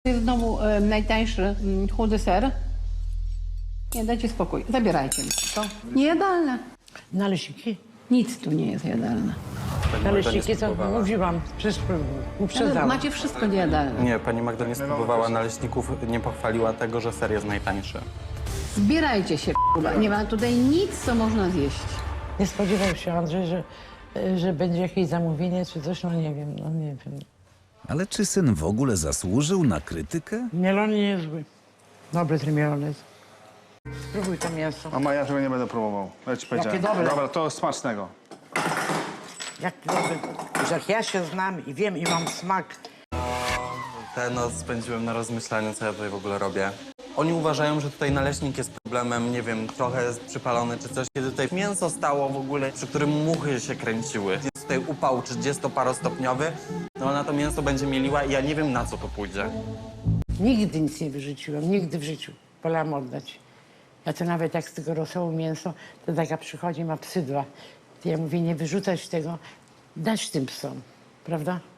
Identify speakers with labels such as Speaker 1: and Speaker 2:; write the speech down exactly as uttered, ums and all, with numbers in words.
Speaker 1: Jest w domu e, najtańszy m, chudy ser. Nie, dajcie spokój. Zabierajcie mi to. Niejadalne.
Speaker 2: Naleśniki?
Speaker 1: Nic tu nie jest jadalne.
Speaker 2: Naleśniki to mówiłam, wszystko
Speaker 1: Ale
Speaker 2: uprzedzałam.
Speaker 1: macie wszystko niejadalne.
Speaker 3: Nie, pani Magda nie spróbowała naleśników, nie pochwaliła tego, że ser jest najtańszy.
Speaker 1: Zbierajcie się, k***a. Nie ma tutaj nic, co można zjeść.
Speaker 2: Nie spodziewał się Andrzej, że, że będzie jakieś zamówienie czy coś, no nie wiem, no nie wiem.
Speaker 4: Ale czy syn w ogóle zasłużył na krytykę?
Speaker 2: Mielony niezły. Dobry ten mielony. Spróbuj to mięso.
Speaker 5: Mama, ja tego nie będę próbował. Ja ci powiedziałem.
Speaker 2: dobre.
Speaker 5: Dobra, to smacznego.
Speaker 2: Jak dobry. Już jak ja się znam i wiem i mam smak.
Speaker 3: Tę noc spędziłem na rozmyślaniu, co ja tutaj w ogóle robię. Oni uważają, że tutaj naleśnik jest problemem, nie wiem, trochę jest przypalony czy coś. Kiedy tutaj mięso stało w ogóle, przy którym muchy się kręciły. Jest tutaj upał trzydziestoparostopniowy, no ona to mięso będzie mieliła i ja nie wiem, na co to pójdzie.
Speaker 2: Nigdy nic nie wyrzuciłam, nigdy w życiu. Wolałam oddać. Ja to nawet jak z tego rosołu mięso, to taka przychodzi, ma psy dwa. To ja mówię, nie wyrzucać tego, dać tym psom, prawda?